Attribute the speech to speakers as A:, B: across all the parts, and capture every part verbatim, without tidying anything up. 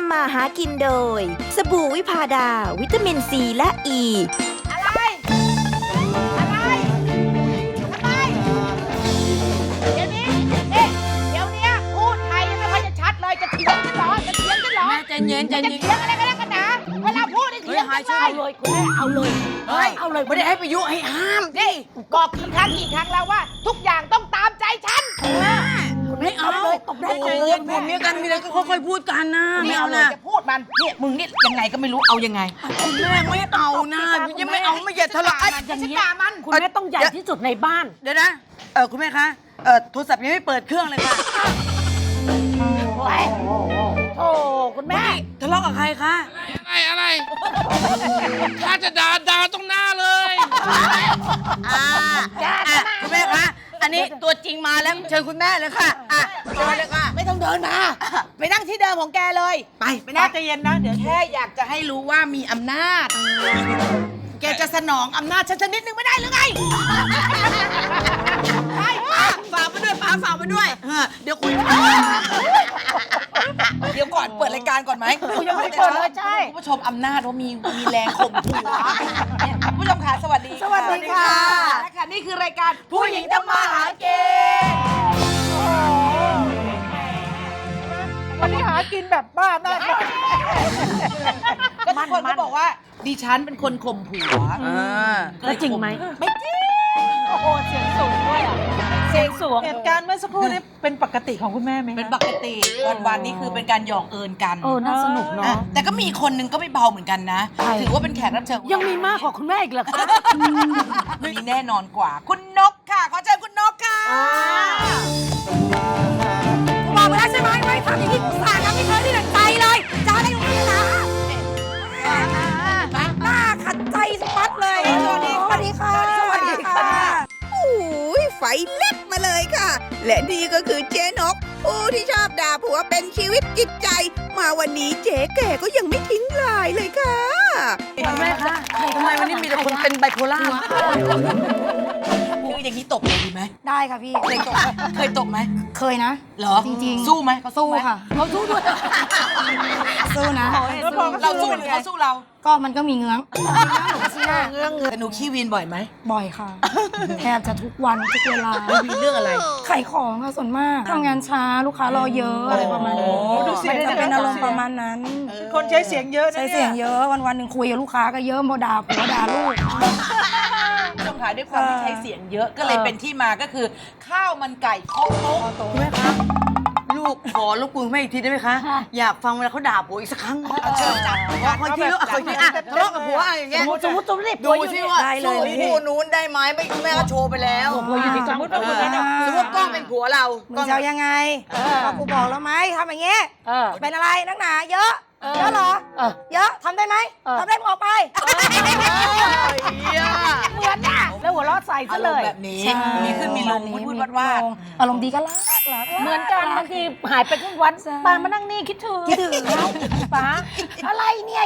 A: ำมาหากินโดยสบู่วิพาดาวิตามินซีและอ e. ี
B: อะไรอะไรอะไรเดี๋ยวนี้เอ๊ะเดี๋ยวนี้พูดไทยยังไม่ค่อยจะชัดเลยจะเถียงกันเหรอจะเถียงกันเหรอ
C: แม่ใจเย็นใจ
B: จะ
C: เย็น
B: เถียงอะไรกันแล้วกันนะเวลาพูดนี่เถียงกันเลย
C: เลยคุณแม่เอาเลย
B: เฮ้ย
C: เอาเลยไม่ได้ให้ไปยุให้ห้าม
B: นี่บอกกี่ครั้งกี่ครั้งแล้วว่า ทุกอย่างต้องตามใจฉัน
C: ไม่เอาเลยตบได้ใจเย็นผมเมียกันมีอะไรก็ค่อยๆพูดกันนะไม่เอา
B: เลย
C: นะ
B: จะพูดมันเนี่ยมึงนี่ยังไงก็ไม่รู้เอายังไง
C: คุณแม่ไม่เอานะยังไม่เอาไม่อย่าทะเลาะ
B: มันจะด่ามัน
D: คุณแม่ต้องใหญ่ที่สุดในบ้าน
C: เดี๋ยวนะเออคุณแม่คะเออโทรศัพท์ยังไม่เปิดเครื่องเลยค่ะ
B: โอ้คุณแม่
C: ทะเลาะกับใครคะ
E: อะไรอะไร ถ้าจะด่าด่าตรงหน้าเลย
C: อ่าอ่ะคุณแม่คะอันนี้ตัวจริงมาแล้วเชิญคุณแม่เลยค่ะอ่ะเชิญเลยค่ะ
B: ไม่ต้องเดินมา ไปนั่งที่เดิมของแกเลย
C: ไปไปนั่ง
B: ใจเย็นนะเดี๋ยวแค่อยากจะให้รู้ว่ามีอำนาจ แกจะสนองอำนาจฉันสักนิดนึงไม่ได้หรือไงไป
C: ฝากมาด้วยป้าฝากมาด้วยเออเดี๋ยวคุย
B: เดี๋ยวก่อนเปิดรายการก่อนไหมยังไม่เปิดเลยใช่คุณผู้ชมอำนาจว่ามีมีแรงข่มขู่เนี่ยคุณผู้ชมค่ะสวัสดี
C: สวัสดีค่ะ
B: และค่ะนี่คือรายการผู้หญิงทำมาหากิน
D: วันนี้หากินแบบบ้าหน้า
B: ก็ทุกคนก็บอกว่าดิฉันเป็นคนข่มผัว
D: แล้วจริงไหม
B: ไม่จริง
D: โอ้โหเสียงสูงด้วยอ่ะ
B: เสียงสูง
D: เหตุการณ์เมื่อสักครู่นี้เป็นปกติของคุณแม่ไหม
B: เป็นปกติวันๆนี่คือเป็นการหยอกเอิญกัน
D: เออน่าสนุก
B: อ่ะ
D: เนาะ
B: แต่ก็มีคนหนึงก็ไม่เบาเหมือนกันนะ
D: ใคร
B: ถือว่าเป็นแขกรับเชิญ
D: ยังมีมากกว่าคุณแม่อีกเหรอคะ
B: มีแน่นอนกว่า คุณนกค่ะ ขอเชิญคุณนกค่ะ
C: บอกไปแล้วใช่ไหมไม่ทำอย่างนี้สาดน้ำไม่เคยได้ดั่งใจเลยจะอะไรอยู่นี่นะหน้าขัดใจสปัดเลยสวัสดีสวัสดีค่ะสวัสดีค่ะ
A: โอ้ยไฟเล็กมาเลยค่ะ และนี่ก็คือเจ๊นก ผู้ที่ชอบด่าผัวเป็นชีวิตจิตใจ มาวันนี้เจ๊แก่ก็ยังไม่ทิ้งลายเลยค่ะ
C: แม่คะทำไมวันนี้มีแต่คนเป็นไบโพล่า
B: คืออย่างนี้ตบเลยดีไหม
F: ได้ค่ะพี่
B: เคยตบเคยตบไหม
F: เคยนะ
B: เหรอ
F: จริงๆ
B: สู้ไหมเขา
F: สู้
B: ไหม
F: ค่ะ
B: เขาสู้ด้วย
F: สู้นะ
B: เราสู้หรือเขาสู้เรา
F: ก็มันก็มีเงื้องเงื้อง
B: แต่หนูขี้วีนบ่อยไหม
F: บ่อยค่ะ แทบจะทุกวันทุกเวลา
B: วีนเรื่องอะไร
F: ขายของค่ะส่วนมากทำงานช้าลูกค้ารอเยอะอะไรประมาณนี้
B: โอ้ดูเสียง
F: ไม่ได้จะเป็นอารมณ์ประมาณนั้น
D: คนใช้เสียงเยอะนะ
F: ใช้เสียงเยอะวันวันๆหนึ่งคุยกับลูกค้าก็เยอะโมด่าผัวด่าลูก
B: ผู้ชมขาด้วยความที่ใช้เสียงเยอะก็เลยเป็นที่มาก็คือ ข้าวมันไก่โคกโต๊ะ
C: คุณแม่คะลูกขอลูกคุณแม่อีกทีได้ไหมคะ อยากฟังเวลาเขาด่าผัวอีกสักครั้ง
B: เอาเชิญจ้ะ
C: ขอคนที่ลูกคนที่อ่ะทะเลาะกับผัวอ่ะอย่างเงี้ย
D: สมมติสมมติ
C: ดูสิว่า
F: ได้เลย
C: สู้คู่นู้นได้ไหมไม่คุณแม่ก็โชว์ไปแล้ว
D: ผัวอยู่ที่สมมติว่าคุณแม่
C: สมมติกล้องเป็นผัวเรา
F: มึงจะเอายังไงก็กูบอกแล้วไหมทำอย่างเงี้ย
D: เออ
F: เป็นอะไรนักหนาเยอะเยอะเหรอ
D: เออ
F: เยอะทำได้ไหม
D: เออ
F: ทำได้มึงออกไป
B: เหมือนน่ะ
D: แล้วหัวเราะใส่ซะ
B: อาร
D: เล
B: ม
D: ย
B: ณ์แบบนี้
F: ใช่
B: มีขึ้นมีลงพูดพูดวัดว่าด
F: อารมณ์ดีก็รักรัก
D: เหมือนกันบางทีหายไปครึ่งวัน
F: ใช่
D: ป้ามานั่งนี่คิดถึง
F: คิดถึง
D: ป้าอะไรเนี่ย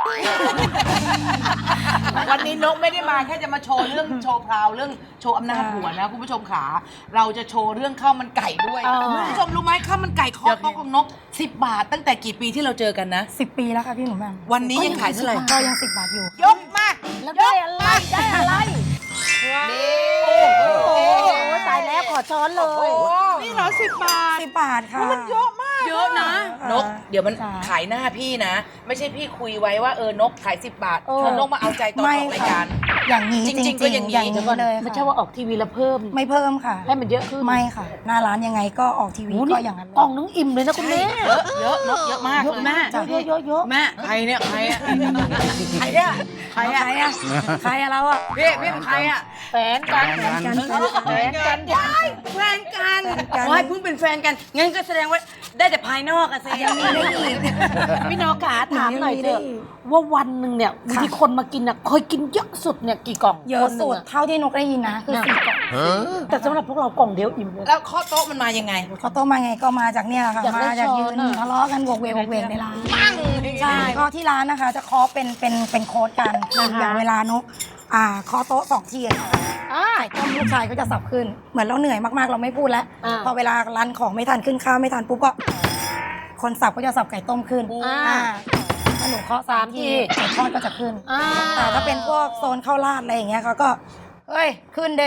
B: วันนี้นกไม่ได้มาแค่จะมาโชว์เรื่องโชว์พราวเรื่องโชว์อำนาจผัวนะคุณผู้ชมขาเราจะโชว์เรื่องข้าวมันไก่ด้วย
D: เออ
B: คุณผู้ชมรู้ไหมข้าวมันไก่คอโต๊ะของนกสิบบาทตั้งแต่กี่ปีที่เราเจอกันนะ
F: สิบปีแล้วค่ะพี่หนุ่มแม่ม
B: วันนี้ยังขายเท่าไหร่
F: ก็ยังสิบบาทอยู่
B: ยกมา
D: แล้วได้อะไรได้อะไร
B: นี่
D: โอ้โหตายแล้วขอช้อนเลย
B: นี่เหรอสิบบาท
F: สิบบาทค่ะ
B: มันเยอะมากเยอะนะ
F: ค่ะ
B: นก เดี๋ยวมัน
F: จ้ะ
B: ขายหน้าพี่นะ ไม่ใช่พี่คุยไว้ว่าเออนกขายสิบบาท
D: เออ
B: แล้วนกมาเอาใจตอนออกรายการ
F: อย่างนี้
B: จ
F: จ
B: ริ
F: ริ
B: ง
F: ง
B: ๆก็อย่างนี้
F: อย่างนี้เลย
D: ไม่
F: ค่ะ
D: ใช่ว่าออกทีวีแล้วเพิ่ม
F: ไม่เพิ่มค่ะ
D: ให้มันเยอะขึ้น
F: ไม่ค่ะ หน้าร้านยังไงก็ออกทีวี
D: โอ้
F: ก็
D: นี่
F: อย่างนั้นเลย
D: กล่องนึงอิ่มเลยนะคุณแม่
B: เยอะเยอะนกเยอะมาก
D: เยอะ
B: เลย
D: แม่
F: จ้ะ
D: เยอะเยอะเยอะ
C: แม่ใครเนี่ยใครอ่ะ
B: ใครอะ
C: ใครอ่ะ
F: ใครอะใครอะเราอะ
C: พี่พี่เป็นใครอ่ะ
D: แฟนกัน
F: กัน
D: แฟนกัน
C: แฟนกันโอ้ยเพิ่งเป็นแฟนกันงั้นก็แสดงว่าได้แต่ภายนอกอะสิ
F: ยังมีได้อีก
D: พี่นอกาถามหน่อยเถอะ
F: หนูยังมีได้อีก
D: ว่าวันหนึ่งเนี่ยบางทีคนมากินอ่ะเคยกินเยอะสุดเนี่ยกี่กล่อง
F: เยอะสุด
D: คนหนึ่ง
F: เท่าที่นกได้ยินนะคือสี่กล่อง
D: แต่สำหรับพวกเรากล่องเดียวอิ่มเลย
B: แล้วข้อโต๊ะมันมายังไง
F: เขาโตมาไงก็มาจากเนี่ยแหละค่ะ
D: อยากได้
F: มาจากยืน
D: ช้อนอะ
F: ทะเลาะกันโวกเวกโวกเวกในร้าน
B: ปั้ง
F: ใช่ก็ที่ร้านนะคะ จะเคาะเป็นเป็นเป็นโค้ดกันคืออย่างเวลานกอ่าเคาะโต๊ะสองทีอะค่ะ
D: อ่า
F: ไข่ต้มลูกชายก็จะสับขึ้น เหมือนเราเหนื่อยมากๆเราไม่พูดแล้ว
D: อ่า
F: พอเวลารันของไม่ทันขึ้นข้าวไม่ทันปุ๊บก็คนสับก็จะสับไก่ต้มขึ้น
D: อ่า
F: อ่าถ้าหนูเคาะสามที
D: สามที
F: ไก่ทอดก็จะขึ้น
D: อ่า
F: แต่ถ้าเป็นพวกโซนข้าวราดอะไรอย่างเงี้ยเขาก็เอ้ยขึ้นเด้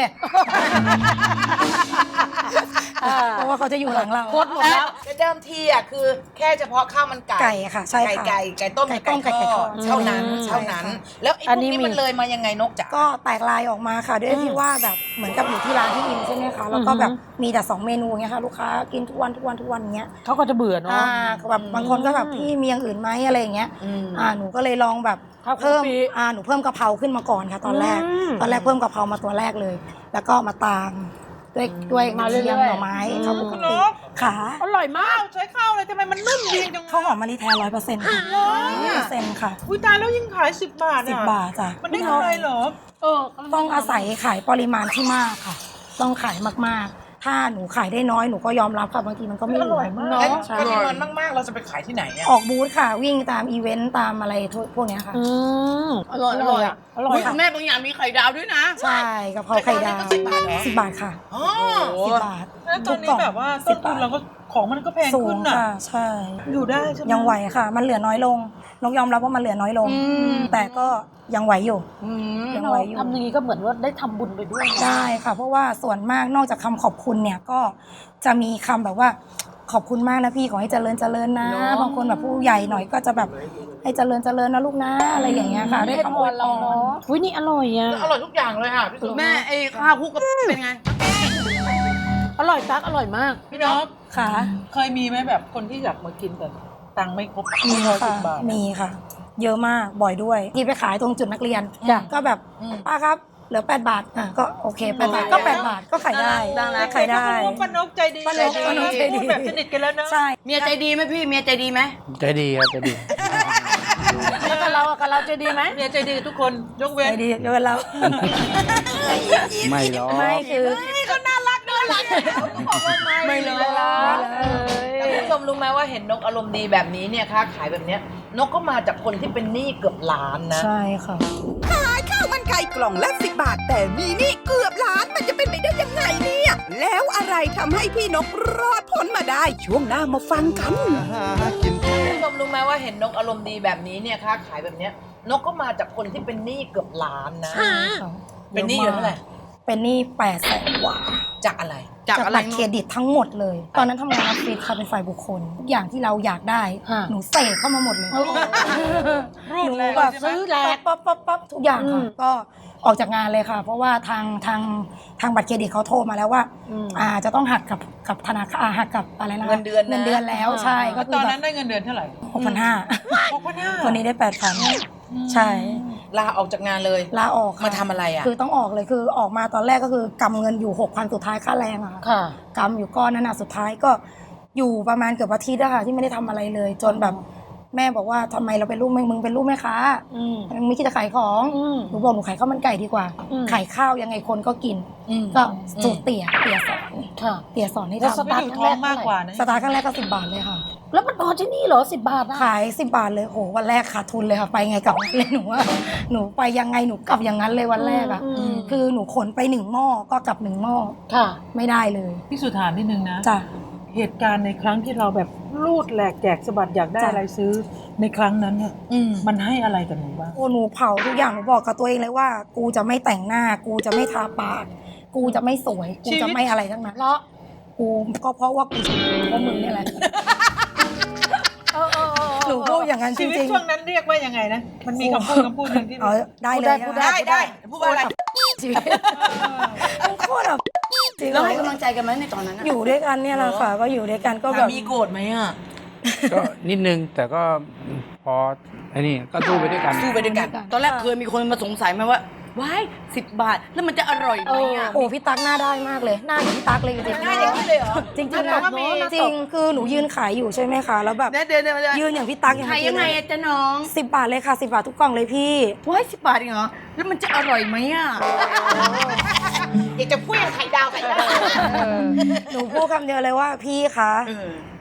F: เพราะว่าเขาจะอยู่หลังเรา
D: โคตรหมดแล้ว
B: เดิมทีอ่ะคือแค่เฉพาะข้าวมันไก่
F: ไก่ค่ะใช่
B: ไก่
F: ค่ะ
B: ไก่ไก่ต้ม
F: ไก่ต้ม
B: ไก่
F: ไก่ท
B: ท
F: อ
B: อ
F: ด
B: ดเท่านั้น
F: อืม
B: เท่านั้น แล้วไอ้พ
D: อัน
B: วก
D: นี้
B: นี้
D: มี
B: มันเลยมายังไงนกจ๋า
F: ก็แตกลายออกมาค่ะด้วยที่ว่าแบบเหมือนกับอยู่ที่ร้านที่อินใช่ไหมคะแล้วก็แบบมีแต่สองเมนูเงี้ยค่ะลูกค้ากินทุกวันทุกวันทุกวันเงี้ย
D: เขาก็จะเบื่อเนาะ
F: อ่าแบบบางคนก็แบบพี่มีอย่างอื่นไหมอะไรอย่างเงี้ย
B: อืม
F: อ่าหนูก็เลยลองแบบ
D: ข้าวคลุก
F: เพิ่ม
D: ปี
F: อ่าหนูเพิ่มกะเพราขึ้นมาก่อนค่ะ ตอนแรก
D: อืม
F: ตอนแรกเพิ่มกะเพรามาตัวแรกเลย แล้วก็มาตามด้วยด้วยก
D: มา
F: ระ
D: เรื่อยๆ
F: เทียมหน่อไม้ข้าวปกติขา
D: อร่อยมาก
B: ใช้ข้าวเลยทำไมมันนุ่มดีจัง
F: ข้าวหอมมะลิแท้ร้อยเปอร์เซ็นต์ค่ะร้อยเปอร์เซ็นต์ค่ะ
B: อุ้ยตายแล้วยิ่งขายสิบบาท
F: สิบ
B: อ่ะ
F: บาทจ้ะ
B: มันได้กำไรเหรอ
D: เออ
F: ต้องอาศัยขายปริมาณที่มากค่ะ ต้องขายมากๆ ถ้าหนูขายได้น้อยหนูก็ยอมรับค่ะบางทีมันก็ไม่เหลือ
B: เนาะ
F: ใช่
B: ปริมาณมากๆ เราจะไปขายที่ไหนอ่ะ
F: ออกบูธค่ะ วิ่งตามอีเวนต์ตามอะไรพวกเนี้ยค่ะ
D: อืมอร่อยอร่อยอ่ะอร่อย
C: อุ๊ย
D: ค่ะ
C: คุณแม่บางอย่างมีไข่ดาวด้วยนะ
F: ใช่กะเพราไข่ดาว
B: ไข่ดาวนี่ก็สิบบาทเหรอ
F: สิบบาทค่ะ
B: อ๋อ
F: สิบบาท
G: แล้วตอนนี้แบบว่าต้นทุนเราก็ของมันก็แพง
F: สู
G: ขึ้
F: ง
G: นน่ะ
F: ค่ะใช่
G: อยู่ได้ใช่ไหม
F: ยังไหวค่ะ มันเหลือน้อยลงนกยอมรับว่ามันเหลือน้อยลง แต่ก็ยังไหวอยู่ยังไหวอยู่
D: ทำอย่างนี้ก็เหมือนว่าได้ทำบุญไปด้วยนะ
F: ได้ค่ะ เพราะว่าส่วนมากนอกจากคำขอบคุณเนี่ยก็จะมีคำแบบว่าขอบคุณมากนะพี่ขอให้เจริญเจริญนะ บางคนแบบผู้ใหญ่หน่อยก็จะแบบให้เจริญเจริญนะลูกนะอะไรอย่างเงี้ยค่ะได้
D: ให้
F: คำ
D: พ
F: อวย
D: ร
F: พ
D: เรา
F: ร
D: เนาะอุ้ยนี่อร่อยอ่ะ
B: อร่อยทุกอย่างเลยค่ะพี่สุ
C: แม่ไอ้ข้าวคลุกกับเป็นไง
D: อร่อยตักอร่อยมาก
G: พี่นก
F: ค่ะ
G: เคยมีไหมแบบคนที่อยากมากินแต่ตังค์ไม่ครบ
F: มี
G: ร้อย
F: ค่ะ
G: สิบบาท
F: มีค่ะ เยอะมากบ่อยด้วยที่ไปขายตรงจุดนักเรียน
D: จ้ะ
F: ก็แบบป้าครับเหลือแปดบาทอ่ะก็โอเคแปดบาทก็แปดบาทก็ขายได้
C: ได้นะ
F: ขายได้
G: ป้านกป้านกใจดี
F: ป้านกป้านกใจดี
G: พูแบบสนิทกันแล้วเนอะ
F: ใช่
C: เมียใจดีไหมพี่ เมียใจดีไหม
E: ใจดีครับใจดี
D: แล้วกับเราอะกับเราจะดีไหม
G: เมียใจดีทุกคนยกเว้
F: ใจ
G: น
F: ดีเยอะแล้ว
E: ไม่หรอก
F: ไม่คือ
C: ไม่เลย
B: แต่คุณผู้ชมรู้ไหมว่าเห็นนกอารมณ์ดีแบบนี้เนี่ยค้าขายแบบเนี้ยนกก็มาจากคนที่เป็นหนี้เกือบล้านนะ
F: ใช่ค่ะ
A: ขายข้าวมันไก่กล่องละสิบบาท แต่มีหนี่เกือบล้านมันจะเป็นไปได้ยังไงเนี่ย แล้วอะไรทำให้พี่นกรอดพ้นมาได้ ช่วงหน้ามาฟังกัน
B: คุณผู้ชมรู้ไหมว่าเห็นนกอารมณ์ดีแบบนี้เนี่ยค้าขายแบบเนี้ยนกก็มาจากคนที่เป็นหนี้เกือบล้านนะ เป็นหนี้อยู่เท่าไหร่
F: เป็นหนี้แปดแสนกว่า
B: จากอะไร
C: จากอะไร
F: บัตรเครดิตทั้งหมดเลย ตอนนั้นทำงานออฟฟิศค่ะเป็นฝ่ายบุคคลทุกอย่างที่เราอยากได้
D: ฮะ
F: หนูเสกเข้ามาหมดเลย
G: รูด
F: หนู
G: แรง
F: แบบ
G: ใช่ไหม
F: ซื้อแลกปั๊บปั๊บปั๊บทุกอย่าง
D: อื
F: ค่ะ
D: ม
F: ก็ออกจากงานเลยค่ะ เพราะว่าทางทางทางบัตรเครดิตเขาโทรมาแล้วว่า
D: อืม
F: อ่าจะต้องหักกับกับธนาคารอ่าหักกับอะไรนะ
B: เงินเดือนนะ
F: เงินเดือนแล้วใช่ก็
G: แล้ว
F: คื
G: ต
F: อ
G: อน
F: แบ
G: นั้น
F: บ
G: ได้เงินเดือนเท่าไหร่
F: หกพันห้า
G: หกพันห้า
F: คนนี้ได้แปดพันใช่
B: ลาออกจากงานเลย
F: ลาออกค่ะ
B: มาทำอะไรอ่ะ
F: คือต้องออกเลยคือออกมาตอนแรกก็คือกำเงินอยู่หกพันสุดท้ายค่าแรงอะค่ะ
D: ค่ะ
F: กำอยู่ก้อนนั้นอะสุดท้ายก็อยู่ประมาณเกือบอาทิตย์อะค่ะที่ไม่ได้ทำอะไรเลย จนแบบแม่บอกว่าทำไมเราเป็นลูกแม่มึงเป็นลูกแม่ค้า
D: อืม
F: มึงไม่คิดจะขายของ
D: อืม
F: หนูบอกหนูขายข้าวมันไก่ดีกว่า
D: อืม
F: ขายข้าวยังไงคนก็กิน
B: อืม
F: ก็สูตรเตี๋ยเตี๋ยสอน
D: ค่ะ
F: เตี๋ยสอนให้
D: แล้วส
F: ทำ
D: ตาร์ท
G: อยู่
D: ครั้ง
G: ท้
D: แร
G: อง
D: ก
G: มากกว่านะ
F: สตาร์ทครั้งแรกก็สิบบาทเลยค่ะ
D: แล้วมันพอที่นี่เหรอสิบบาทอะ
F: ขายสิบบาทเลยโหวันแรกขาดทุนเลยค่ะไปไงกลับเลยหนูว่าหนูไปยังไงหนูกลับอย่างนั้นเลยวันแรกอะ
D: อืม
F: คือหนูขนไปหนึ่งหม้อก็กลับหนึ่งหม้อ
D: ค่ะ
F: ไม่ได้เลย
G: พี่สุถามนิดนึงนะ
F: จ้ะ
G: เหตุการณ์ในครั้งที่เราแบบรูดแหลกแจกสะบัดอยากได้
F: จ้ะ
G: อะไรซื้อในครั้งนั้นเนี่ย
B: อืม
G: มันให้อะไรกับหนูบ้าง
F: โอ้หนูเผาทุกอย่างหนูบอกกับตัวเองเลยว่า กูจะไม่แต่งหน้า กูจะไม่ทาปาก กูจะไม่สวย กูจะไม่อะไรทั้งนั้นแล้วกูก็เพราะว่ากูเพราะมึงเนี่ยแหละหนูพูดอย่างนั้นจ
G: ชีวิต
F: ริง
G: ช่วงนั้นเรียกว่ายังไงนะ มันมีคำพูดคำพูดหนึ่งที่
F: ๆเอาได้เลย
D: พูด
F: นะ
B: ได้ได้พูดว่าอะไร
F: ชีวิตโคตรแบบจริง
C: แล้วให้กำลังใจกันไหมในตอนนั้นอะ
F: อยู่ด้วยกันเนี่ยแหละค่ะ ก็อยู่ด้วยกันก็แบ
B: สา
F: บ
B: มีโกรธไหมอ่ะ
E: ก็นิดนึงแต่ก็พอไอ้นี่ก็สู้ไปด้วยกัน
B: สู้ไปด้วยกัน
C: ตอนแรกเคยมีคนมาสงสัยไหมว่าว้ายสิบบาท แล้วมันจะอร่อยไหมอะ
F: โอ้พี่ตั๊กหน้าได้มากเลย หน้าอย่างพี่ตั๊กเลยจริงๆ
B: หน้าอย่างนี้เลยเหรอ
F: จริงๆ
G: แต่
F: นะ
G: ว่ามี
F: จริงคือหนูยืนขายอยู่ใช่ไหมคะแล้วแบบ
C: เดี๋ยวเดี๋ยวเดี๋ยวเดี๋ยว
F: ยืนอย่างพี่ตั๊กอย่าง
C: ขาย
F: เมื่อ
C: ยั
F: กี้
C: งไง
F: เลย
C: อะจ๊ะน้อง
F: สิบบาทเลยค่ะสิบบาททุกกล่องเลยพี่
C: ว้ายสิบบาทเองเหรอ แล้วมันจะอร่อยไหมอะ
B: อยากจะพูดไข่ดาวไข่ดาว
F: หนูพูดคำเดียวเลยว่าพี่คะ
C: เออ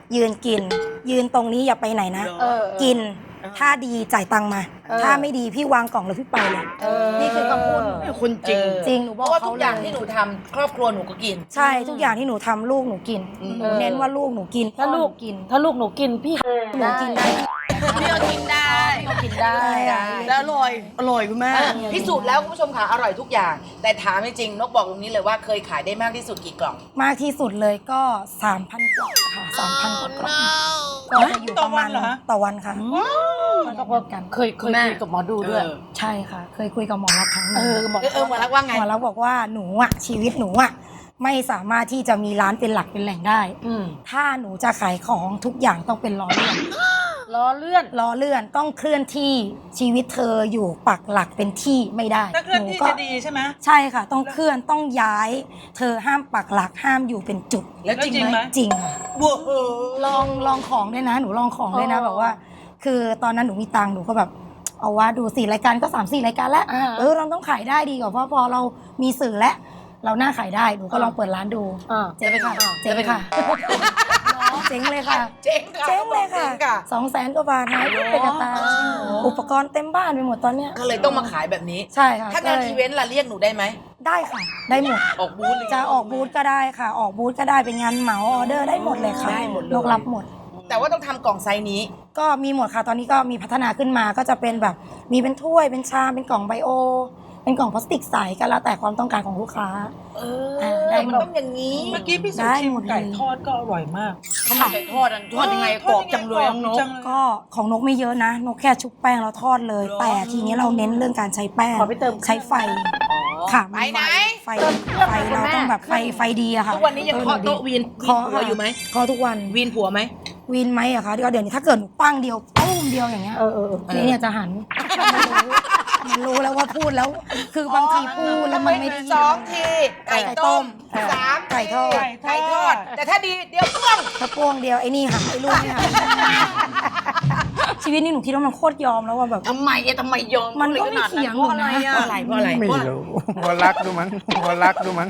F: ยืนกิน ยืนตรงนี้อย่าไปไหนนะ
B: เออ
F: กินถ้าดีจ่ายตังค์มา
B: เออ
F: ถ้าไม่ดีพี่วางกล่องแล้วพี่ไปเลย
B: เออ
F: นี่คือคำพูดหนู
C: คุณจริง
F: จริงหนู
C: เพ
F: บอก
C: ราะว่า
F: เขา
C: ทุก
F: เล
C: อย่างที่หนูทำครอบครัวหนูก็กิน
F: ใช่ทุกอย่างที่หนูทำลูกหนูกินหนูเน้นว่าลูกหนูกิน
D: ถ้าลูก
F: พ่อหนูกิน
D: ถ้าลูกหนูกินพี่
F: หนูกินได้
C: พี่ก็กินได้
D: กินได้
F: ได้
C: แล้วอร่อย อร่อยคุณแม่
B: พิสูจน์แล้วคุณผู้ชมค่ะอร่อยทุกอย่าง แต่ถามจริงๆนกบอกตรงนี้เลยว่าเคยขายได้มากที่สุดกี่กล่อง
F: มากที่สุดเลยก็ สามพัน กล่องค่ะสามพันกว่ากล่องก็จะอยู่ประมาณต่อวันค่ะ
D: มันก็พอกันเคยเคยคุยกับหมอดูด้วย
F: ใช่ค่ะ เคยคุยกับหมอรักษณ์ครั้งห
D: เอ
F: นึ่ง
D: อหมอ
B: เออเออหมารักว่าไง
F: หมอรักษณ์บอกว่าหนูอะชีวิตหนูอะไม่สามารถที่จะมีร้านเป็นหลักเป็นแหล่งได้
D: อืม
F: ถ้าหนูจะขายของทุกอย่างต้องเป็นล้อเลื่อน
D: ล้อเลื่อน
F: ล้อเลื่อนต้องเคลื่อนที่ชีวิตเธออยู่ปักหลักเป็นที่ไม่ได้
G: ถ้าเคลื่อนที่
F: หก็
G: จะดีใช่ไหม
F: ใช่ค่ะ ต้องเคลื่อนต้องย้าย เธอห้ามปักหลักห้ามอยู่เป็นจุด
B: แล้วจริงไหม
F: จริงค่ะลองลองของด้วยนะ หนูลองของด้วยนะ
D: อ๋อ
F: แบบว่า คือตอนนั้นหนูมีตังค์หนูก็แบบ เอาว่าดูสี่รายการก็สามสี่รายการแล้ว
D: อ่า
F: เออเราต้องขายได้ดีกว่าเพราะพอเรามีสื่อแล้วเราน่าขายได้หนูก็ลองเปิดร้านดู
D: อ่า
F: เจ๊งค่ะเจ๊งค่ะเจ๊งเลยค่ะ
B: เจ๊งค่ะ
F: เจ๊งเลยค่ะ
B: จ๊งค่ะ
F: สองแสนกว่าบาทหายไปกับตาอุปกรณ์เต็มบ้านไปหมดตอนเนี้ย
B: ก็เลยต้องมาขายแบบนี้
F: ใช่ค่ะ
B: ถ้างาน
F: ก็ลย
B: อีเวนต์ล่ะเรียกหนูได้ไหม
F: ได้ค่ะ ได้หมด
B: ออกบูธเลย
F: จะออกบูธก็ได้ค่ะ ออกบูธก็ได้เป็นงานเหมาออเดอร์ได้หมดเลยค่ะ
B: ได้หมดเลย
F: นกรับหมด
B: แต่ว่าต้องทำกล่องไซส์นี้
F: ก็มีหมดค่ะ ตอนนี้ก็มีพัฒนาขึ้นมาก็จะเป็นแบบมีเป็นถ้วยเป็นชามเป็นกล่องไบโอ เป็นกล่องพลาสติกใสก็แล้วแต่ความต้องการของลูกค้า
B: เอ
F: อ่า
B: อ
F: ได้
B: มัน
F: หมด
B: ต้องอย่างนี้
G: เมื่อกี้พี่สุ
F: ได้
G: ชิม
F: หมดเลย
G: ไก่ทอดก็อร่อยมาก
C: ข้าวมันไก่ทอดอันทอดยังไงกรอบจังเลยน้องนก
G: จังเลย
F: ก็ของนกไม่เยอะนะ นกแค่ชุบแป้งแล้วทอดเลย แต่ทีนี้เราเน้นเรื่องการใช้แป้ง
D: ขอไปเติม
F: ใช้ไฟค่ะ
B: ไปไหน
F: ไฟไฟเราต้องแบบไฟไฟดีอะค่ะ
B: ทุกวันนี้ยังเคาะโต๊ะวีน
F: เคาะ
B: วีนผัวอยู่ไหม
F: เคาะทุกวัน
B: วีนผัวไหม
F: วีนไหมอะคะเดี๋ยวเดี๋ยวนี้ถ้าเกิดหนูปั้งเดียวปุ้มเดียวอย่างเงี้ย
D: เออเออเออ
F: นี่เนี่ยจะหันมันรู้มันรู้แล้วว่าพูดแล้ว คือบางทีพูดแล้วมันไม่ได้ยิน
B: สองทีไก่ต้ม
F: เออ
B: สาม
F: ไก่ทอด
B: ไก่ทอด แต่ถ้าดีเดี๋ยวพ่วง
F: ถ้าพวงเดียวไอ้นี่หันไอ้ลูกเนี่ยหันชีวิตนี้หนูคิดว่ามันโคตรยอมแล้วว่าแบบ
C: ทำไมเอะทำไมยอม
F: มันก็ไม่เถียงหนูนะ
C: เพราะอะไรเพราะอะไร
E: ไม่
C: เพราะอะไร
E: รู้หัวรักดูมั้งหัวรักดูมั้ง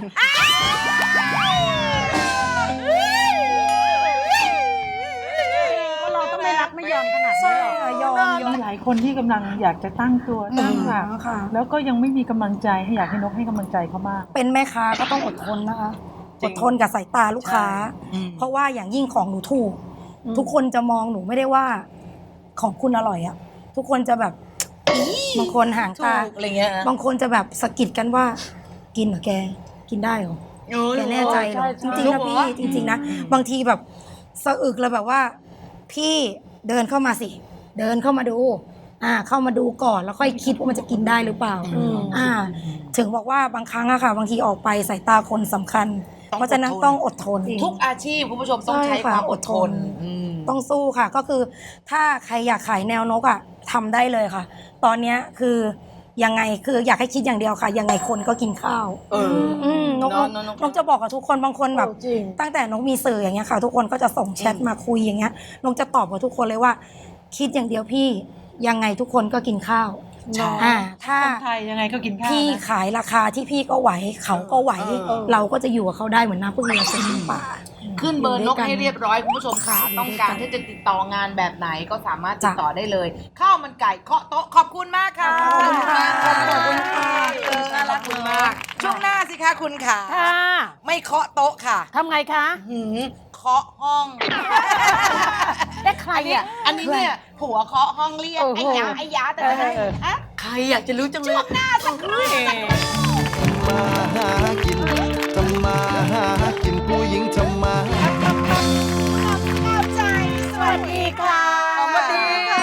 D: ก็เราต้องไม่รักไม่ยอมขนาดนี้หรอก
F: ยอมยอม
G: มีหลายคนที่กำลังอยากจะตั้งตัวตั้งหลัก
F: ค่ะ
G: แล้วก็ยังไม่มีกำลังใจให้อยากให้นกให้กำลังใจเขามาก
F: เป็นแม่ค้าก็ต้องอดทนนะคะ อดทนกับสายตาลูกค้า เพราะว่าอย่างยิ่งของหนูถูก ทุกคนจะมองหนูไม่ได้ว่าของคุณอร่อยอะทุกคนจะแบบบางคนห่างตา
B: ถูกอะไรเงี้ยนะ
F: บางคนจะแบบสะกิดกันว่า กินเหรอแก กินได้เหรอ แกแน่ใจเหรอ จริงๆนะพี่จริงๆนะบางทีแบบสะอึกเลยแบบว่า พี่เดินเข้ามาสิ เดินเข้ามาดู อ่า เข้ามาดูก่อนแล้วค่อยคิดว่ามันจะกินได้หรือเปล่า อ่า ถึงบอกว่าบางครั้งอะค่ะ บางทีออกไปสายตาคนสำคัญ เพราะฉะนั้นต้องอดทน
B: ทุกอาชีพคุณผู้ชมต้องใช้
F: ใช่
B: ค
F: ค่ะ
B: วามอดทน
F: อดทน
B: อืม
F: ต้องสู้ค่ะ ก็คือถ้าใครอยากขายแนวนกอะทำได้เลยค่ะ ตอนเนี้ยคือยังไงคืออยากให้คิดอย่างเดียวค่ะ ยังไงคนก็กินข้าว
B: เออ
F: อืมนก
B: เนอะเนอะเนอะ
F: นกจะบอกกับทุกคนบางคนแบบ
D: จริง
F: ตั้งแต่นกมีสื่ออย่างเงี้ยค่ะ ทุกคนก็จะส่งแชทมาคุยอย่างเงี้ยนกจะตอบกับทุกคนเลยว่า คิดอย่างเดียวพี่ยังไงทุกคนก็กินข้าว
B: ใช่
F: อ่าถ้า
G: คนไทยยังไงก็กินข้าว
F: พี่
G: นะ
F: ขายราคาที่พี่ก็ไหวเขาก็ไหว
B: เออ
F: เราก็จะอยู่กับเขาได้เหมือนน้ำพึ่งเรือเสือป่า
B: ขึ้นเบอร์นกให้เรียบร้อยคุณผู้ชมค่ะ
F: อยู่
B: ต้อง
F: ด้วย
B: การ
F: กัน
B: ที่จะติดต่องานแบบไหนก็สามารถติด
F: จ้ะ
B: ต่อได้เลยข้าวมันไก่เคาะโต๊ะขอบคุณมากค่ะ
F: ขอบคุณค่ะ
B: ขอบ
F: ขอบคุ
B: คุณ
F: ณ
B: ค่ะ
F: ค่ะ
B: น่ารักคุณมากช่วงหน้าสิคะคุณค่ะ
D: ค่ะ
B: ไม่เคาะโต๊ะค่ะ
D: ทำไงคะ
B: หืมเคาะห้อง
D: ได้ใคร
B: อันนี้
D: อ่ะ
B: อันนี้เนี่ยผัวเคาะห้องเรียก
D: โอ้โห
B: ไอ้ยาไอ้ยาแต่ละ
D: เออ
B: ฮะ
C: ใครอยากจะรู้จังเลย
B: ช่วงหน้าสักครู่
H: มาหากินทำมาหากินผู้หญิงทำมา
B: เข้าใจสวัสดีค่ะ
C: สวัสดี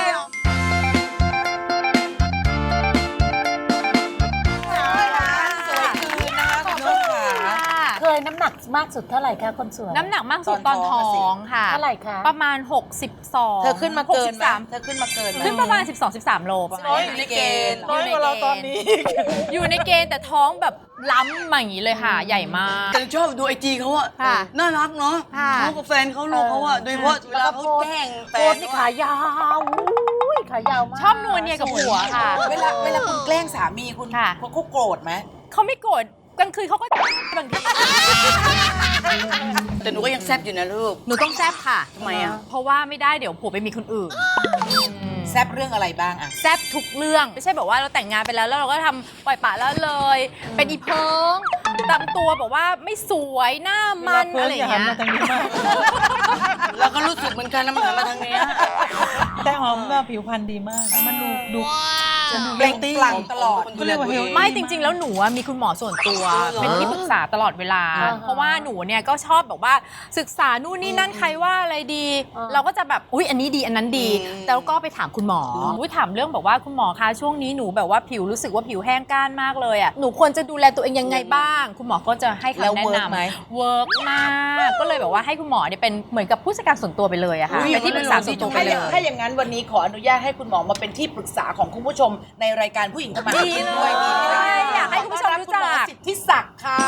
B: สวยคืนนะคะคุณผู้ชมค่ะ
D: เคยน้ำหนักมากสุดเท่าไหร่คะคนสวย
I: น้ำหนักมากสุดตอนท้องค่ะ
D: เท่าไหร่คะ
I: ประมาณ หกสิบสอง
B: เธอขึ้นมาเกินไหม
I: หสิบสาม
B: เธอขึ้นมาเกินไหม
I: ขึ้นประมาณ สิบสอง สิบสาม โลประมาณ
B: น้อย
I: นี้
B: อยู่ในเกณฑ์
G: น้อยกว่าเราตอนนี้
I: อยู่ในเกณฑ์แต่ท้องแบบล้ำมาอย่างนี้เลยค่ะ ใหญ่มาก
C: แต่ชอบดูไอจีเขาอะ
I: ค่ะ
C: น่ารักเนาะ
I: ค่ะ
C: เขากับแฟนเขาลูกเขาอะโดยเฉพาะเวลาเขาแกล้งแฟ
D: โพส
C: น
D: ต์นี่ขายาวอุ้ยขายาวมาก
I: ชอบนวลเนียกับผัวค่ะ
B: เวลาเวลาคุณแกล้งสามีคุณ
I: ค่ะ
B: เขาโกรธไหม
I: เขาไม่โกรธกลางคืนเขาก็บางที
C: แต่หนูก็ยังแซ่บอยู่นะลูก
I: หนูต้องแซบค่ะ
C: ทำไมอ่ะ
I: เพราะว่าไม่ได้เดี๋ยวผัวไปมีคนอื่น
B: แซบเรื่องอะไรบ้างอะ
I: แซบทุกเรื่องไม่ใช่แบบว่าเราแต่งงานไปแล้วแล้วเราก็ทำปล่อยปละละเลย เป็นอีเพิงตามตัวแบบว่าไม่สวยหน้ามันอะไรอย่างเงี้ย
C: เราก็รู้สึกเหมือนกันนะมันหันมาทางเนี้ย
G: แต่หอมแบบผิวพรรณดีมาก มันดูดู
B: เปล่งปลั่งตลอด
C: ดูแลตัวเอง
I: ไม่จริง ๆ แล้วหนูอะมีคุณหมอส่วนตัว เป็นที่ปรึกษาตลอดเวลา เพราะว่าหนูเนี่ยก็ชอบแบบว่าศึกษานู่นนี่นั่นใครว่าอะไรดี เราก็จะแบบอุ๊ยอันนี้ดีอันนั้นดีแต่ก็ไปถามคุณหมออุ๊ยถามเรื่องแบบว่าคุณหมอคะช่วงนี้หนูแบบว่าผิวรู้สึกว่าผิวแห้งก้านมากเลยอ่ะหนูควรจะดูแลตัวเองยังไงบ้าง คุณหมอก็จะให้คำ
B: แล้ว
I: แนะ
B: เวิร์ก
I: นำ
B: ไหม
I: เวิร์กมากก็เลยแบบว่าให้คุณหมอเนี่ยเป็นเหมือนกับผู้จัดการส่วนตัวไปเลยอะค่ะเป็นที่ปรึกษาส่วนตัวไป
B: ถ้า
I: เล
B: อย ย่างถ้าอย่างนั้นวันนี้ขออนุญาตให้คุณหมอมาเป็นที่ปรึกษาของคุณผู้ชมในรายการผู้หญิงทำมาหากินด้วยดีไหมคะ
I: อยากให้คุณผู้ชมรู้จัก
B: ขอต้อนบคุณหมอสิทธิศักดิ์ค่ะ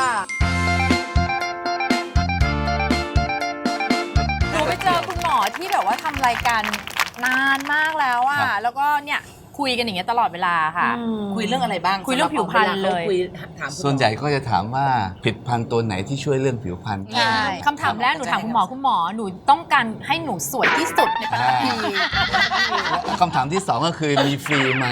I: หนูไปเจอคุณหมอที่แบบว่าทำรายการนานมากแล้วอะแล้วก็เนี่ยคุยกันอย่างเงี้ยตลอดเวลาค่ะ
B: คุยเรื่องอะไรบ้าง
I: คุยเรื่องผิวพรรณเลย
B: คุยถามคุณมอ
H: ส่วนใหญ่ก็จะถามว่าผลิตภัณฑ์ตัวไหนที่ช่วยเรื่องผิวพรรณ
I: ใช่คำถามแรกหนูถามคุณหมอคุณหมอหนูต้องการให้หนูสวยที่สุดในปัตตภี
H: คำถามที่สองก็คือมีฟรีไหม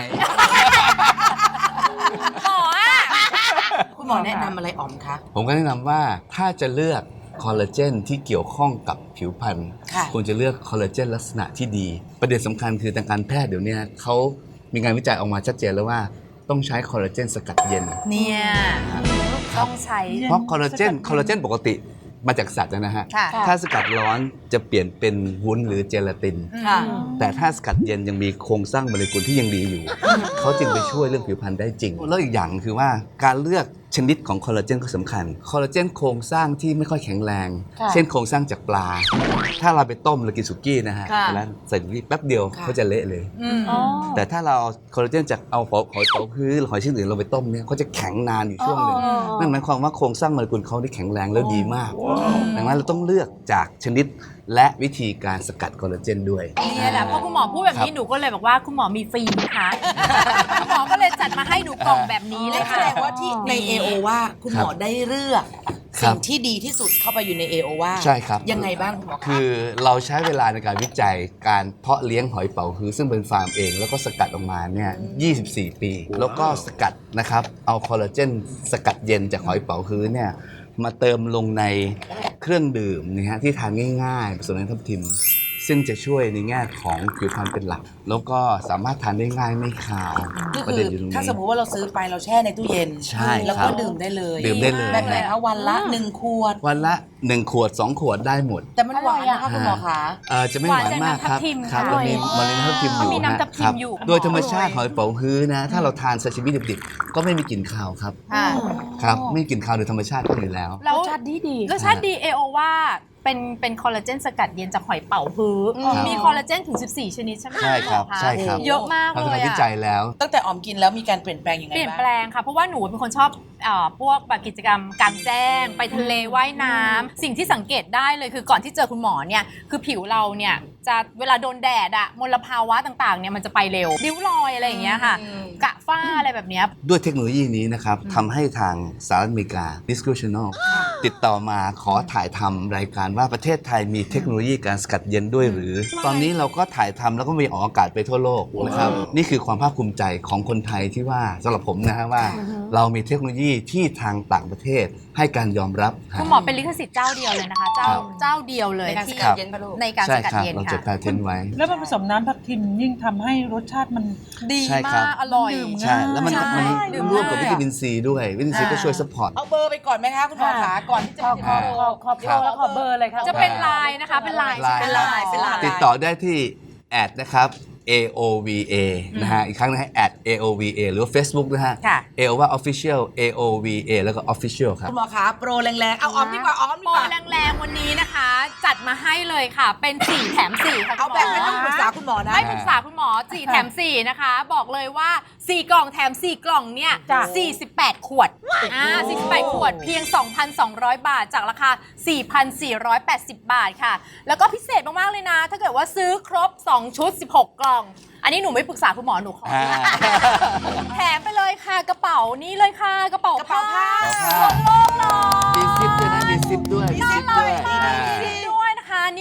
I: หมออะ
B: คุณหมอแนะนำอะไรอ๋อมคะ
H: ผมก็แนะนำว่าถ้าจะเลือกคอลลาเจนที่เกี่ยวข้องกับผิวพรรณ
B: ค่ะ
H: ควรจะเลือกคอลลาเจนลักษณะที่ดี ประเด็นสำคัญคือทางการแพทย์เดี๋ยวนี้เขามีงานวิจัยออกมาชัดเจนแล้วว่าต้องใช้คอลลาเจนสกัดเย็น
I: เนี่ยต้องใช้
H: เพราะคอลลาเจนคอลลาเจนปกติมาจากสัตว์นะฮะ
I: ค่ะ
H: ถ้าสกัดร้อนจะเปลี่ยนเป็นวุ้นหรือเจลาติน
B: ค่ะ
H: แต่ถ้าสกัดเย็นยังมีโครงสร้างโมเลกุลที่ยังดีอยู่ เขาจึงไปช่วยเรื่องผิวพรรณได้จริง แล้วอีกอย่างคือว่าการเลือกชนิดของคอลลาเจนก็สำคัญ คอลลาเจนโครงสร้างที่ไม่ค่อยแข็งแรง เช่นโครงสร้างจากปลา ถ้าเราไปต้มเรากินสุกี้นะฮะ
B: ค่ะ
H: แล้วใส่สุกี้แป๊บเดียว
B: ค่ะ
H: เขาจะเละเลย แต่ถ้าเราเอาคอลลาเจนจากเอาหอยหอยเป๋าฮื้อหรือหอยชนิดอื่นเราไปต้มเนี่ยเขาจะแข็งนานอยู่ช่วงหนึ่งนั่นหมายความว่าโครงสร้างโมเลกุลเขาที่แข็งแรงแล้วดีมาก ดังนั้นเราต้องเลือกจากชนิดและวิธีการสกัดคอลลาเจนด้วย
I: เนี่ยแหละพอคุณหมอพูดแบบนี้หนูก็เลยบอกว่าคุณหมอมีฟรีไหมคะคุณหมอก็เลยจัดมาให้หนูกล่องแบบนี้เล
B: และ
I: ย
B: แส
I: ค่ะ
B: ดงว่าที่ใน เอ โอ ว่าคุณหมอได้เลือก
H: ครั
B: สิ่
H: บ
B: งที่ดีที่สุดเข้าไปอยู่ใน เอ โอ ว่า
H: ใช่ครับ
B: ยังไงบ้างคุณหมอคะ
H: คือเราใช้เวลาในการวิจัยการเพาะเลี้ยงหอยเป๋าฮื้อซึ่งเป็นฟาร์มเอง แล้วก็สกัดออกมาเนี่ยยี่สิบสี่ ปี แล้วก็สกัดนะครับเอาคอลลาเจนสกัดเย็นจากหอยเป๋าฮื้อเนี่ยมาเติมลงในเครื่องดื่มนะฮะที่ทานง่ายๆผสมในทับทิม ซึ่งจะช่วยในแง่ของผิวพรรณเป็นหลัก แล้วก็สามารถทานได้ง่ายไม่คาว
B: ก็
H: ประ
B: คื
H: เด็
B: อน
H: อยู่ตรงนี้
B: ถ้าสมมุติว่าเราซื้อไปเราแช่ในตู้เย็น
H: ใช่
B: แล้ว
H: ครั
B: ก็
H: บ
B: ดื่มได้เลย
H: ดื่มได้เลย
B: แบบไหนคะวันละหนึ่งขวด
H: วันละหนึ่งขวดสองขวดได้หมด
B: แต่มันหวานนะคะคุณหมอคะ
H: เอ่อจะไม่หวานมากครับ
I: หวานจากน้ำทับทิม
H: ครับ
I: ค่ะ
H: เรามีมันมีน้ำทับทิมอยู่
I: มีน้ำทับทิม
H: ครับ
I: อยู่
H: โดยธรรมชาติหอยเป๋าฮื้อนะ ถ้าเราทานซาชิมิดิบๆก็ไม่มีกลิ่นคาวครับ
I: ค่ะ
H: ครับ ไม่มีกลิ่นคาวโดยธรรมชาติก็อยู่แล้ว
I: แล้ว
D: รสชาติดีดี
I: รสชาติดีเอโอว่าเป็นเป็นคอลลาเจนสกัดเย็นจากหอยเป๋าฮื้อ
H: ครับ
I: มีคอลลาเจนถึงสิบสี่ชนิดใช่ไหม
H: ใช่ครับ
I: ะ
H: ใช่ครับ
I: เยอะมาก
H: ทำ
I: เลย
H: ทำวิ
I: อะ
H: จัยแล้ว
B: ตั้งแต่ออมกินแล้วมีการเปลี่ยนแปลงยังไง
I: เปลี่ยน
B: บ้าง
I: แปลงค่ะ เพราะว่าหนูเป็นคนชอบเอ่อพวกแบบกิจกรรมกลางแจ้ง ไปทะเลว่ายน้ำสิ่งที่สังเกตได้เลยคือก่อนที่เจอคุณหมอเนี่ยคือผิวเราเนี่ยจะเวลาโดนแดดอะมลภาวะต่างๆเนี่ยมันจะไปเร็วริ้วรอยอะไรอย่างเงี้ยค่ะ กระฝ้าอะไรแบบเนี้ย
H: ด้วยเทคโนโลยีนี้นะครับทำให้ทางสหรัฐอเมริกา Discovery Channel ติดต่อมาขอถ่ายทำรายการว่าประเทศไทยมีเทคโนโลยีการสกัดเย็นด้วยหรือ ตอนนี้เราก็ถ่ายทำแล้วก็มีออกอากาศไปทั่วโลกนะครับนี่คือความภาคภูมิใจของคนไทยที่ว่าสำหรับผมนะฮะว่า เรามีเทคโนโลยีที่ทางต่างประเทศให้การยอมรับ
I: คุณหมอเป็นลิขสิทธิ์เจ้าเดียวเลยนะคะ เจ้า
H: ครับ
I: เจ้าเดียวเลย
B: ในการส
I: ที่
B: กัดเย็นปะลูก
I: ในการ
H: ใช่
I: สกัด
H: ครับ
I: เย็น
H: เราจด
I: ค่ะ
H: แพทเทนไว้
G: แล้วมันผสมน้ำทับทิมยิ่งทำให้รสชาติมัน
I: ดี
H: ใช่ครั
I: มา
H: บ
I: กอร่อย
G: ดื่ม
H: ใช่แล้วมัน
I: ใช่
H: มัน
I: ดื่ม
H: ร่วมกับ
I: ได้
H: วิตามินซีด้วยวิตามินซีก็ช่วยซัพพอร์ต
B: เอาเบอร์ไปก่อนไหมคะคุณหมอคะก่อนที่จะ
D: ขอ
B: ไป
D: ขอ
B: ถึง
D: ขอขอโปรแล้วขอเบอร์เลยค่ะ
I: จะเป็นไลน์นะคะ เป็นไลน์
H: ไลน์
I: เป็นไลน์เป็นไลน์
H: ติดต่อได้ที่แอดนะครับ เอ โอ วี เอ นะฮะ อีกครั้งนะฮะ แอด เอ โอ วี เอ หรือว่า Facebook นะฮะ
I: ค่ะ
H: เอ ว่า Official เอ โอ วี เอ แล้วก็ Official ครับ
B: คุณหมอคะโปรแรงๆ เอาออมดีกว่าออมดี
I: โปร
B: กว่า
I: แรงๆวันนี้นะคะ จัดมาให้เลยค่ะ เป็นสี่แถมสี่ค่ะ
B: เอาแบบไม่ต้องปรึกษาคุณหมอนะ
I: ไม่ปรึกษาคุณหมอสี่แถมสี่นะคะ บอกเลยว่าสี่กล่องแถมสี่กล่องเนี่ยสี่สิบแปดขวดอ่าสี่สิบแปดขวดเพียง สองพันสองร้อย บาทจากราคา สี่พันสี่ร้อยแปดสิบ บาทค่ะ แล้วก็พิเศษมากๆเลยนะ ถ้าเกิดว่าซื้อครบสองชุดสิบหกกล่อง อันนี้หนูไม่ปรึกษาคุณหมอหนูขอ
H: อ่า
I: แถมไปเลยค่ะกระเป๋านี้เลยค่ะกระเป๋าก
B: ระเป๋าผ้า
I: ทั่วโลกเลย
H: มีซิปด้วยนะ มีซิปด้วย
I: น่า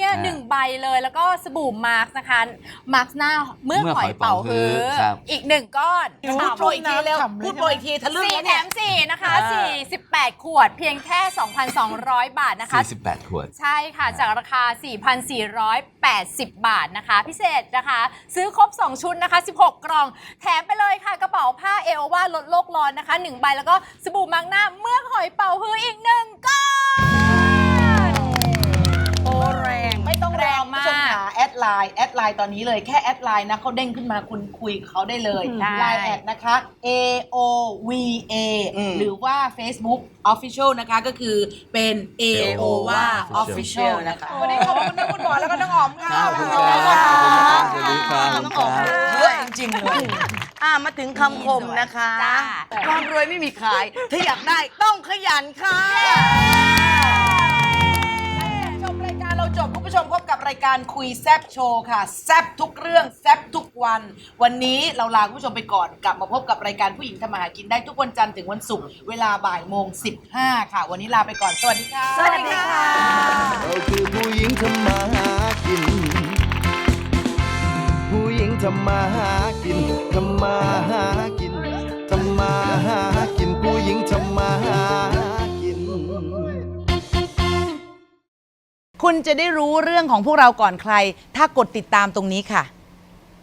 I: เนี่ยหนึ่งใบเลยแล้วก็สบู่มาร์กนะคะมาร์กหน้าเมื่อหอยเป่าฮื้อ
H: ครับ
I: อีกหนึ่งก้อน
B: พูดโปรอีกทีเร็วพูดโปรอีกทีทะลึ่ง
I: สี่
B: แล้ว
I: แถ
B: เนี่ย
I: มสี่นะคะสี่สิบแปดขวดเพียงแค่ สองพันสองร้อย บาทนะคะ
H: สี่สิบแปดขวด
I: ใช่ค่ะ จากราคา สี่พันสี่ร้อยแปดสิบ บาทนะคะ พิเศษนะคะ ซื้อครบ สอง ชุดนะคะ สิบหก กล่อง แถมไปเลยค่ะ กระเป๋าผ้าเอโอวาลดโลกร้อนนะคะ หนึ่ง ใบ แล้วก็สบู่มาร์กหน้าเมือกหอยเป่าฮื้ออีกหนึ่งก้อน
B: โอ้แรงไม่ต้องแรงมาก
I: แรงมาก
B: ผู้ชมขาแอดไลน์แอดไลน์ตอนนี้เลยแค่แอดไลน์นะเขาเด้งขึ้นมาคุณคุยกับเขาได้เลย
I: ได้
B: ไลน์แอดนะคะ เอ โอ วี เอ หรือว่า Facebook Official นะคะก็คือเป็น เอ โอ วา Official นะคะวันนี้ขอบคุณทั้งคุณหมอแล้วก็น้องอ๋อมค่ะ
H: ขอบคุณครับ
C: ขอบคุณครับ
H: ขอบคุณครับ
C: เยอะจริงๆเลยอ่ะมาถึงคำคมนะคะ
I: จ้า
C: ความรวยไม่มีขาย ถ้าอยากได้ต้องขยันค่ะ
B: ชมรายการเราจบคุณผู้ชมพบกับรายการคุยแซบโชว์ค่ะแซบทุกเรื่องแซบทุกวัน วันนี้เราลาคุณผู้ชมไปก่อนกลับมาพบกับรายการผู้หญิงทำมาหากินได้ทุกวันจันทร์ถึงวันศุกร์เวลาบ่ายโมงสิบห้าค่ะ วันนี้ลาไปก่อนสวัสดีค่ะ
C: สวัสดีค่ะ
J: เราคือผู้หญิงทำมาหากิน ผู้หญิงทำมาหากินทำมาหากินทำมาหากินผู้หญิงทำมาหากิน
B: คุณจะได้รู้เรื่องของพวกเราก่อนใคร ถ้ากดติดตามตรงนี้ค่ะ